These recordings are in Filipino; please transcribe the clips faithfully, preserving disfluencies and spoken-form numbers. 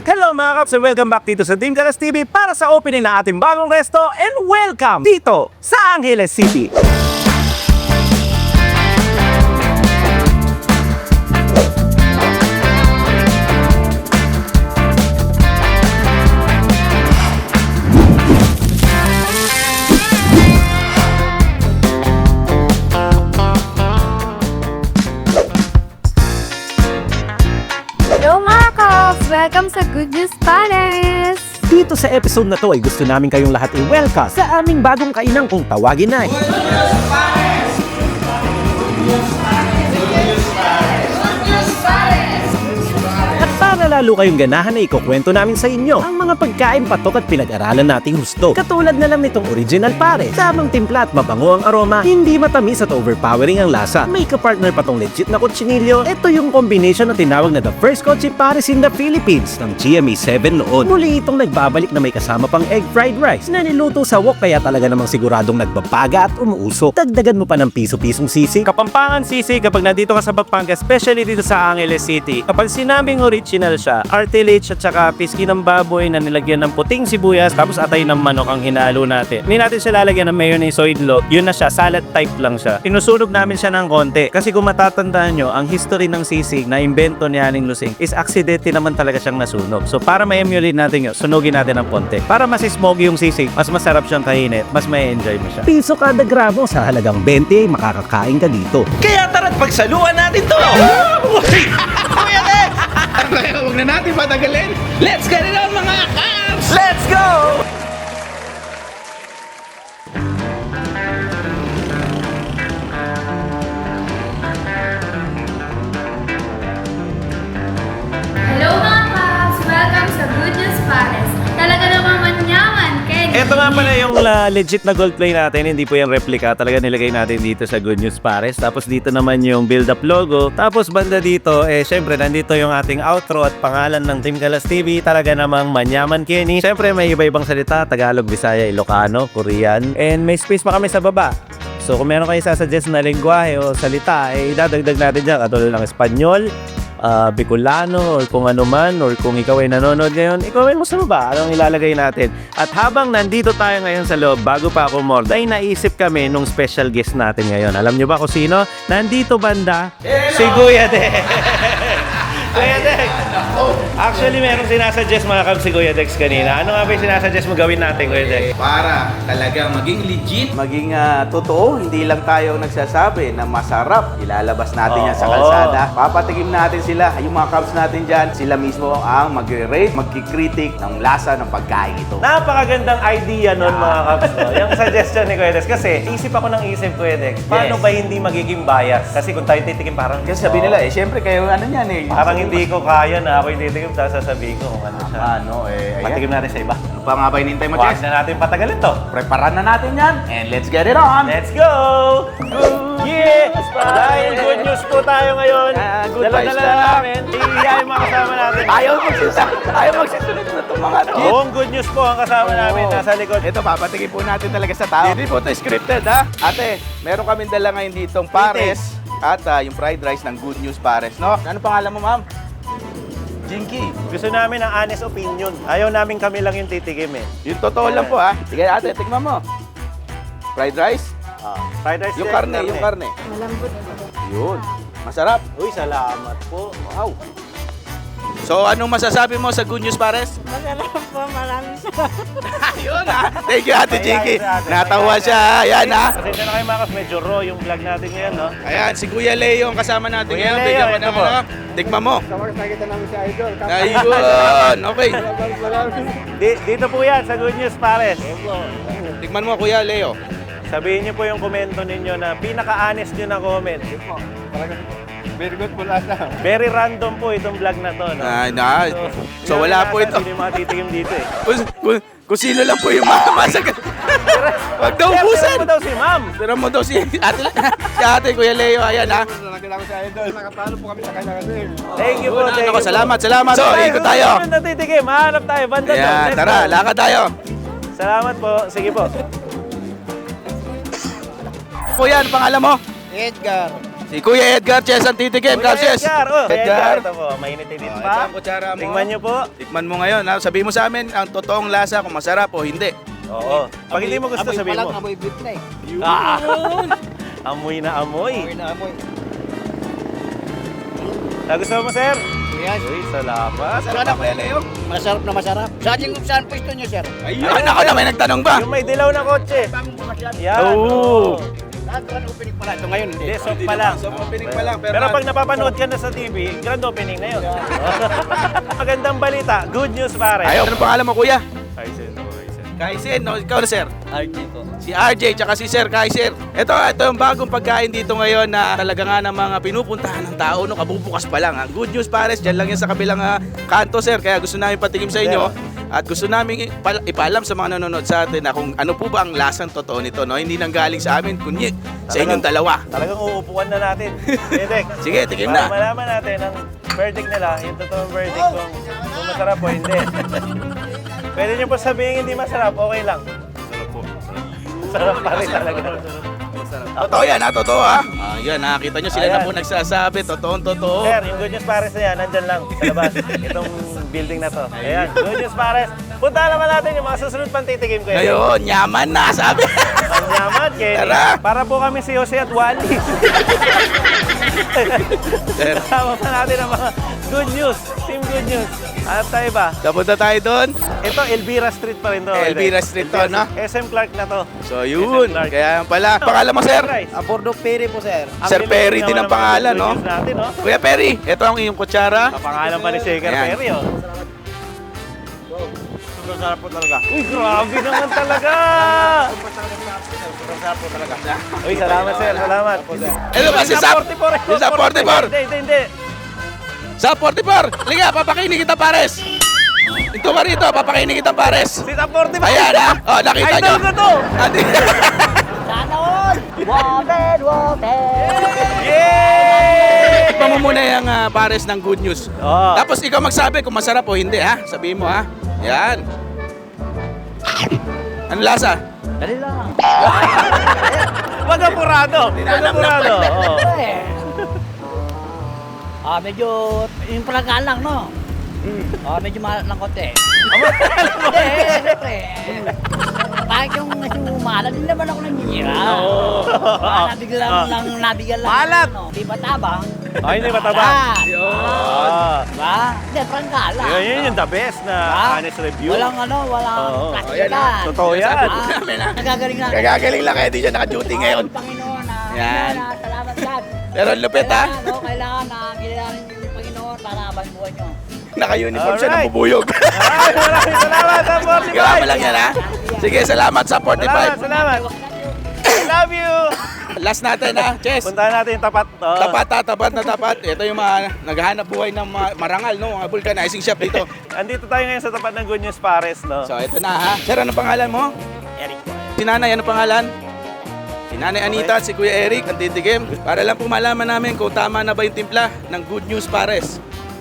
Hello mga kaps and welcome back dito sa Team Galas T V para sa opening ng ating bagong resto and welcome dito sa Angeles City. Hello mga Kaps! Welcome sa Good News Palace! Dito sa episode na to ay gusto namin kayong lahat i-welcome sa aming bagong kainang kung tawagin ay para lalo kayong ganahan na ikukwento namin sa inyo ang mga pagkain, patok at pinag-aralan nating husto. Katulad na lang nitong original pare, samang timpla at mabango ang aroma, hindi matamis at overpowering ang lasa. May kapartner pa tong legit na kutsinilyo. Ito yung combination na tinawag na the first kotse pares in the Philippines ng G M A seven noon. Muli itong nagbabalik na may kasama pang egg fried rice na niluto sa wok kaya talaga namang siguradong nagbabaga at umuusok. Dagdagan mo pa ng piso-pisong sisig. Kapampangan sisig kapag nandito ka sa Pampanga, especially dito sa Angeles City. Kapag sinabing original siya, artilage at saka piski ng baboy na nilagyan ng puting sibuyas tapos atay ng manok ang hinalo natin. Hindi natin siya lalagyan ng mayonnaise o idlo. Yun na siya, salad type lang siya. Sinusunog namin siya ng konti kasi kung matatandaan nyo, ang history ng sisig na imbento ni Aling Lusing is aksidente naman talaga siyang nasunog. So para ma-emulate natin yun, sunugin natin ng konti. Para mas smoky yung sisig, mas masarap siyang kainit, mas may enjoy mo siya. Piso kada gramo sa halagang twenty, makakakain ka dito. Kaya tara't pagsaluan natin to! Kuya Lex! Huwag na natin patagalin! Let's get it on mga Kaps! Let's go! Hello mga Kaps! Welcome sa Good News Palace! Talaga namang manyaman, Kenny! Ito nga pala yung uh, legit na gold play natin, hindi po yung replica. Talaga nilagay natin dito sa Good News Pares. Tapos dito naman yung build-up logo. Tapos banda dito, eh syempre nandito yung ating outro at pangalan ng Team Galas T V. Talaga namang manyaman, Kenny. Syempre may iba-ibang salita, Tagalog, Bisaya, Ilocano, Korean. And may space pa kami sa baba. So kung meron kayo sasuggest na lengguwahe o salita, eh idadagdag natin dyan. Katulad ng Espanyol, Uh, Bicolano or kung ano man or kung ikaw ay nanonood ngayon, i-comment mo sa baba anong ilalagay natin. At habang nandito tayo ngayon sa loob, bago pa ako umord, ay naisip kami nung special guest natin ngayon. Alam nyo ba kung sino? Nandito banda, si Kuya Dex. Kuya Dex! Actually, merong sinasuggest mga kab si Kuya Dex kanina. Ano nga ba yung sinasuggest mo gawin natin, Kuya Dex? Para talagang maging legit. Maging ah, totoo, hindi lang tayo nagsasabi na masarap. Ilalabas natin yan sa Oo. kalsada. Papatikim natin sila. Yung mga cubs natin dyan, sila mismo ang magre-rate, magkikritik ng lasa ng pagkain ito. Napakagandang idea nun mga kabs. No? Yung suggestion ni Kuya Dex. Kasi isip ako ng isip, Kuya Dex. Paano Yes. ba hindi magiging bias? Kasi kung tayo titikim parang... Kasi sabi nila, eh, syempre kayo ano yan eh. Parang hindi ko kaya na ako yung titikim. Sasabihin ko kung ano siya. Ano eh, ayan. Patikim natin sa iba. Ano pa nga ba hinintay mo, Huwag Jess? na natin patagalin to. Preparan na natin yan. And let's get it on. Let's go! Yeah! Dahil good news po tayo ngayon. Ah, good Dala-dala vibes na lang. namin. Iiyayin mga kasama natin. Ayaw magsisunod. Ayaw magsisunod na itong mga to. Buong good news po ang kasama namin. Oo. Nasa likod. Ito, papatikim po natin talaga sa tao. Hindi po ito scripted, ha? Ate, meron kami dala ngayon ditong pares at ah, yung fried rice ng Good News Pares, no? Ano pangalan mo, ma'am? Jinky. Gusto namin ang honest opinion. Ayaw namin kami lang yung titikim eh. Yung totoo lang po, ha? Sige, ate, tikman mo. Fried rice? Ah, fried rice Yung din, karne, yung karne. Malambot. Yun. Masarap. Uy, salamat po. Wow. So, anong masasabi mo sa Good News Pares? Masarap po, marami siya. Ayun, ha? Thank you, Ate Jinky. Ayan, ate. Natawa Ayan, siya, ha? Ayan, ha? Pasensya na kayo mga kas, medyo raw yung vlog natin ngayon, no? Ayan, si Kuya Leo ang kasama natin Kuya ngayon. Leo, Bigyan mo ito ng po. ano. Tikman mo. Nakita namin si Idol. Ayun, okay. Di- dito po yan, sa Good News Pares. Tikman mo, Kuya Leo. Sabihin niyo po yung komento ninyo na pinaka-honest nyo na comment. Very good po lahat na. Very random po itong vlog na to, no? Ah, na. So, yun wala ang po nasa, ito. Sino yung mga titikim dito eh. Kung, kung, kung sino lang po yung mamamasag. Huwag daw Sir, ubusan. tira mo daw si ma'am. Tira mo daw si ate, si ate, Kuya Leo. Ayan, ha? Nakita ko si Idol. Nakapalo po kami sa kanya kasi. Thank you po, Yun, thank ako, you po. salamat, salamat. So, ikot tayo. Sunod na titikim, hanap tayo, banda doon. Ayan, Let's tara, go. lakad tayo. Salamat po, sige po. Kuya, ano pangalan mo? Edgar. Si Kuya Edgar Chess ang titikim, Kuya Kapses. Edgar, oh, Kuya Edgar, Edgar. ito po, mainit-init Oh, ito pa. ang kutsara mo. Tingnan nyo po. Tikman mo ngayon. Ha? Sabihin mo sa amin ang totoong lasa kung masarap o hindi. Oo. Pag hindi mo gusto, sabihin mo. Amoy beef na eh. Ah, amoy na amoy. Amoy na amoy. Nagustuhan mo, sir? Yes. Uy, salamat. Masarap na Kuya Leo. Masarap na masarap. Saan yung saan pwesto nyo, sir? Ayun. Ako na may nagtanong ba? Yung may dilaw na kotse. Bagong bukas yan. Yan. Oo. Lahat grand opening pala. Ito ngayon, hindi. Hindi, soft pa lang. So, opening pa lang. Pero, Pero pag napapanood ka na sa T V, grand opening na yun. Magandang balita. Good news, pare. Ayaw. Anong pangalan mo, Kuya? Kaisen, Kaisen. Kaisen. No? Ikaw na, sir. R J ko. Si R J tsaka si Sir Kaiser. Ito, ito yung bagong pagkain dito ngayon na talaga nga ng mga pinupuntahan ng tao. No, kabubukas pa lang. Ang good news, pares, dyan lang yan sa kabilang ah, kanto, sir. Kaya gusto namin patikim sa inyo. At gusto namin ipal- ipaalam sa mga nanonood sa atin na kung ano po ba ang lasang totoo nito. No? Hindi nang galing sa amin, kundi sa inyong dalawa. Talagang uupuan na natin. Edek. Sige, tikim Para na. malaman natin ang verdict nila, yung totoong verdict kung, kung masarap o hindi. Pwede nyo po sabihin hindi masarap, okay lang. Sarap po. Sarap pa rin talaga. Totoo yan, ha? Totoo, ha? Ah, yan, nakita nyo sila Ayan. na po nagsasabi. Totoong totoo. Sir, yung Good News Pares na yan, nandyan lang sa labas. Itong building na to. Ayan, Good News Pares. Punta naman natin yung mga susunod pang titikim ko. Ngayon, yaman na, sabi. Ang yaman, Kenny. Tara. Para po kami si Jose at Wally. Kasama pa natin ang mga Good News. Team Good News. At tayo ba? Kapunta tayo doon. Ito, Elvira Street pa rin to. Elvira Street to, no? S M Clark na to. So, yun. Clark. Kaya pala. Pangalan mo, sir? Rice. Abordo Peri po, sir. Ang Sir bilis Perry din naman ang pangalan, mga no? Good News natin, no? Kuya Perry, ito ang iyong kutsara. Ang pangalan pa ni Shaker Ayan. Perry, oh. Sobrang sarap po talaga. Uy, grabe naman talaga! Sobrang sarap po talaga. Uy, salamat, sir. Salamat. Ito ba si Sap? Si Sap forty-four. Hindi, hindi, hindi. Sap forty-four. Liga, papakinig kita, pares. Ito ka rito, papakinig kita, pares. Si Sap forty-four. Ayan, ha? O, nakita nyo. Idol ko to! Ati- Sana all! Water, water! Yay! Ipa mo muna yung ah, pares ng good news. Oh. Tapos ikaw magsabi kung masarap o hindi, ha? Sabihin mo, ha? Yan. Ano lasa? Dali lang. Wag apurado. Wag apurado. Oo. Ah, medyo yung palagaan lang, no? Ah, medyo mahal ng konti. Hindi, siyempre. Kahit yung sumalat, hindi naman ako nangyira. Oo. Ah, nabigyan lang, lang, nabigyan lang. Malat. Ano, di ba tabang? Ay, hindi mataba. Ah, Ah. diba? Hindi, prangkala. Yun, yun yung the best na Ah, honest review. Walang ano, walang Oo. plastikan. Totoo yan. Ah, nagagaling lang. Kagagaling lang kaya di siya naka-duty ngayon. Ang Panginoon na, Yan. na, salamat God. Pero ang lupit, ha? Kailangan, no, kailangan na kilalanin niyo yung Panginoon para habang buhay niyo. Naka-uniform siya ng Alright. bubuyog. Ay, maraming salamat sa forty-five. Grabe lang yan, ha? Sige, salamat sa Salamat, forty-five. salamat. I love you. Last natin, ha? Chess. Puntahan natin yung tapat. Oo. Tapat, ha? Tapat na tapat. Ito yung mga naghahanap buhay ng mga marangal, no? Mga vulcanizing shop dito. Andito tayo ngayon sa tapat ng Good News Pares, no? So, ito na, ha? Sir, ano pangalan mo? Eric. Si Nanay, ano pangalan? Si Nanay Anita at si Kuya Eric, ang titigim. Para lang po malaman namin kung tama na ba yung timpla ng Good News Pares.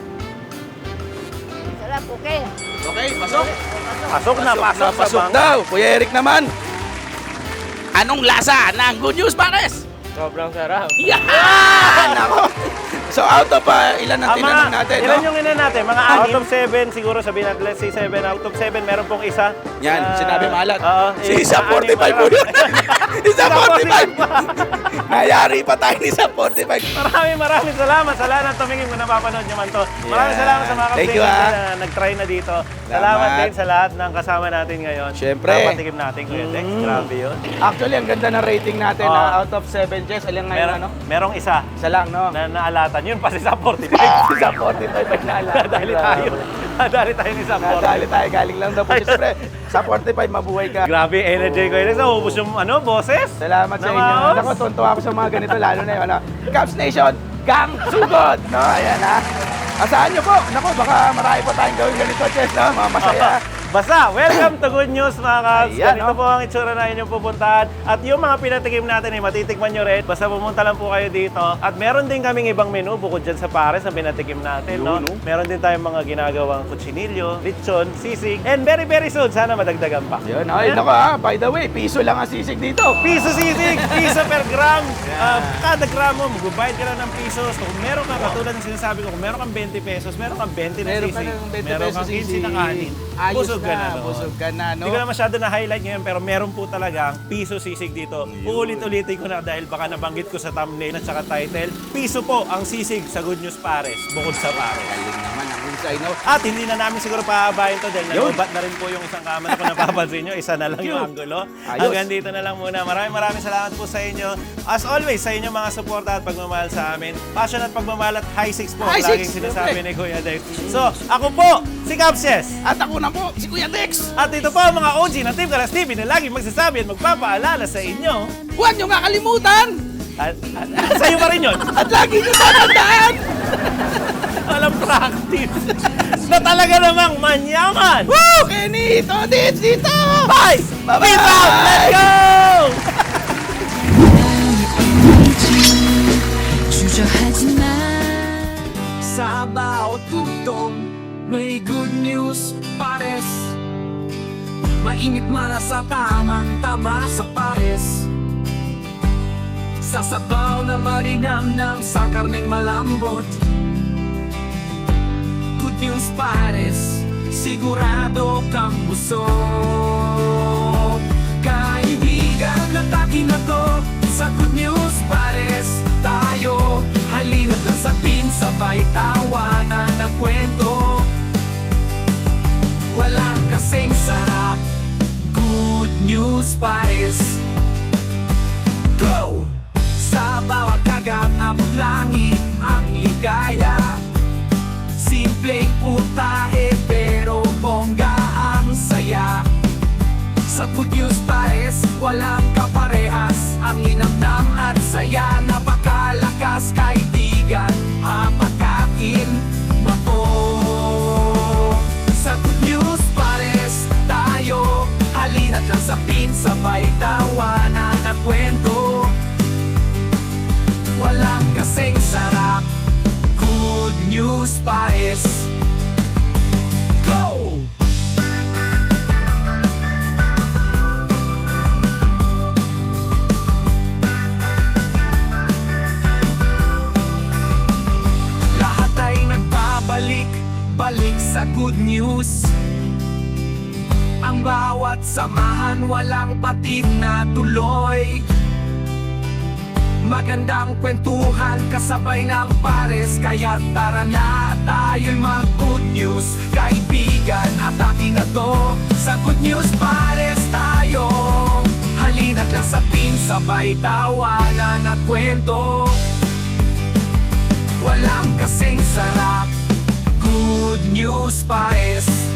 Sarap, okay. Okay, pasok. Pasok na, pasok, na, pasok bang- daw. Kuya Eric naman. Anong lasa ng Good News Pares? Sobrang sarap. Yan! Ako. So out of uh, ilan ang Ah, tinanong mga- natin, ilan no? yung ina natin? Mga out of seven, siguro sabihin natin, let's say seven out of seven, meron pong isa. Yan, na- sinabi maalat. Oo. Si eh, Isa na-anim forty-five pa po lang. yun. Isa forty-five. Nayari pa tayo ni Isa forty-five. Maraming maraming salamat sa lahat ng tumingin kung napapanood nyo man to. Maraming Yeah. salamat sa mga Thank you, kapatid ah. na nag-try na dito. Salamat Salamat. din sa lahat ng kasama natin ngayon. Syempre. Napatikim natin, Kuya Dex. Mm. Grabe yun. Actually, ang ganda ng rating natin Oo. na out of seven, Jess. Alam ngayon, Meron, ano? merong isa Isa lang, no? na naalatan. Yun pa si Sa forty-five. Isa forty-five ay naalala. Nadali tayo. Nadali tayo ni Sa Nadali forty-five. tayo. Galing lang daw po. Siyempre, sa forty-five, mabuhay ka. Grabe energy ko yun. Naubos yung ano, boses. Salamat sa inyo. Namaos. Ako, tuntua ako sa mga ganito, lalo na yun. Ano? Cubs Nation, gang sugod! No, ayan ha. Asahan nyo po. Naku, baka marami pa tayong gawin ganito, Chess, no? Mga masaya. Basta, welcome to Good News mga Kabs. Ayan, Ganito oh. po ang itsura na inyong pupuntahan. At yung mga pinatikim natin ay matitikman nyo rin. Basta pumunta lang po kayo dito. At meron din kaming ibang menu bukod dyan sa pares na pinatikim natin. No? Yun, no? Meron din tayong mga ginagawang kutsinilyo, lechon, sisig. And very very soon, sana madagdagan pa. Yun, ay, nako ah, by the way, piso lang ang sisig dito. Piso sisig, piso per gram. Ah, kada gramo, magbabayad ka lang ng piso. So kung meron ka, katulad ng sinasabi ko, kung meron kang twenty pesos, meron kang twenty na Meron sisig. ka ng twenty meron pesos kang sisig. fifteen na kanin. Ayos Busog ka na. na, doon. busog ka na, no? Hindi ko na masyado na-highlight ngayon, pero meron po talaga piso sisig dito. Uulit-ulitin ko na dahil baka nabanggit ko sa thumbnail at saka title. Piso po ang sisig sa Good News Pares, bukod sa pares. Galing naman ang husay, no? At hindi na namin siguro pahabahin to dahil Yun. nagubat na rin po yung isang camera kung napapansin nyo. Isa na lang yung Yun. anggulo. Ayos. Hanggang dito na lang muna. Maraming maraming salamat po sa inyo. As always, sa inyong mga suporta at pagmamahal sa amin. Passion at pagmamahal at high six po. High Laging six, sinasabi okay. ni Kuya Dex. So, ako po, si Kapses. At ako na po, si Kuya Dex. At ito po ang mga O G ng Team Kalas T V na laging magsasabi at magpapaalala sa inyo. Huwag niyo nga kalimutan! At, at, at sa'yo pa rin yun. At lagi niyo tatandaan! Walang practice. Na talaga namang manyaman. Woo! Kenny! Todits dito! Bye! Bye-bye! Peace out! Let's go! 주저하지 마. Sa bawat tugtog may good news pares. Mainit man sa tamang tama sa pares. Sa sabaw na marinam ng sa karneng malambot. Good news pares, sigurado kang busog. Kaibigan na taki na to sa good news pares. Tayo halina't lang sa pin, sabay tawanan ng kwento. Walang kasing sarap, good news pares. Go! Sa bawat kagat abot langit ang ligaya. Simpleng putahe pero bongga ang saya. Sa good news pares, walang kaparehas. Ang linamnam at saya, napakalakas kaibigan. Mapakain mato. Sa good news pares, tayo halina't lang sa pin, sabay tawanan at kwento. Walang kasing sarap, good news pares. Go! Lahat ay nagbabalik, balik sa good news. Ang bawat samahan walang patid na tuloy. Magandang kwentuhan kasabay ng pares. Kaya tara na tayo'y mag-good news. Kaibigan, atake na to sa good news pares tayo. Halina't lang sa pin, sabay tawanan at kwento. Walang kasing sarap, good news pares.